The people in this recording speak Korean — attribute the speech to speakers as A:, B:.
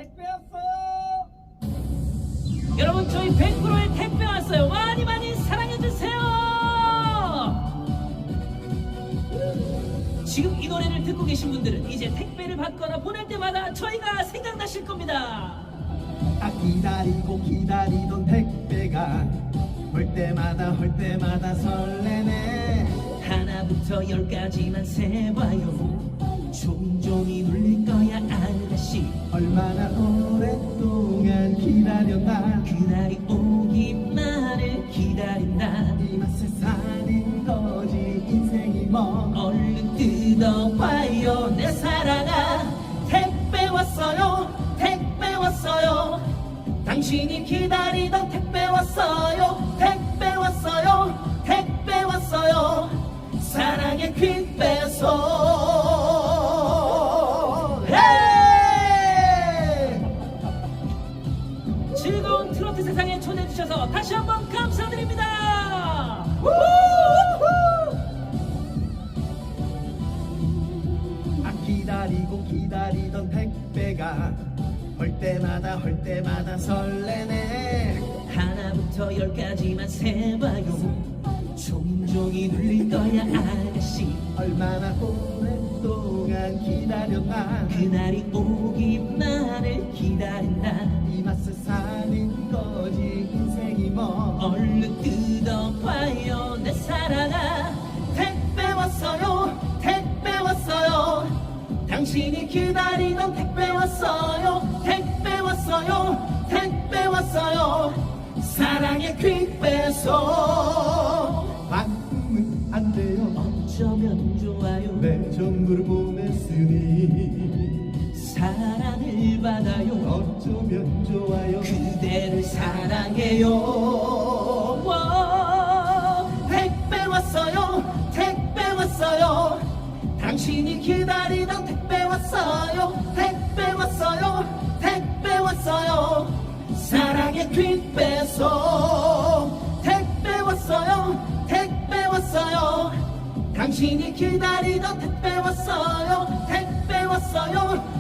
A: 택배 왔어요.
B: 여러분 저희 100%의 택배 왔어요. 많이 많이 사랑해주세요. 지금 이 노래를 듣고 계신 분들은 이제 택배를 받거나 보낼 때마다 저희가 생각나실 겁니다.
A: 기다리고 기다리던 택배가 올 때마다 설레네.
B: 하나부터 열까지만 세봐요. 종종이 눌릴 거야 아가씨.
A: 얼마나 오랫동안 기다렸나.
B: 그날이 오기만을 기다린다.
A: 이 맛에 사는 거지 인생이 뭐.
B: 얼른 뜯어봐요 내 사랑아. 택배 왔어요. 택배 왔어요. 당신이 기다리던 택배 왔어요. 택배 왔어요. 택배 왔어요. 사랑의 퀵배송. 즐거운 트로트 세상에 초대해주셔서 다시 한번 감사드립니다.
A: 기다리고 기다리던 택배가 올 때마다 설레네.
B: 하나부터 열까지만 세봐요. 종종이 눌릴 거야 아가씨.
A: 얼마나 오랫동안 기다렸나.
B: 그날이 오기만을 기다린다.
A: 이 맛에 사는 거지 인생이 뭐.
B: 얼른 뜯어봐요 내 사랑아. 택배 왔어요. 택배 왔어요. 당신이 기다리던 택배 왔어요. 택배 왔어요. 택배 왔어요. 사랑의 퀵배송.
A: 바꾸면 안 돼요.
B: 어쩌면 좋아요.
A: 내 전부를 보냈으니
B: 사랑을 받아요.
A: 어쩌면 좋아요.
B: 그대를 사랑해요. 와, 택배 왔어요. 택배 왔어요. 당신이 기다리던 택배 왔어요. 택배 왔어요. 택배 왔어요. 사랑의 퀵배송. 택배 왔어요. 택배 왔어요. 당신이 기다리던 택배 왔어요. 택배 왔어요.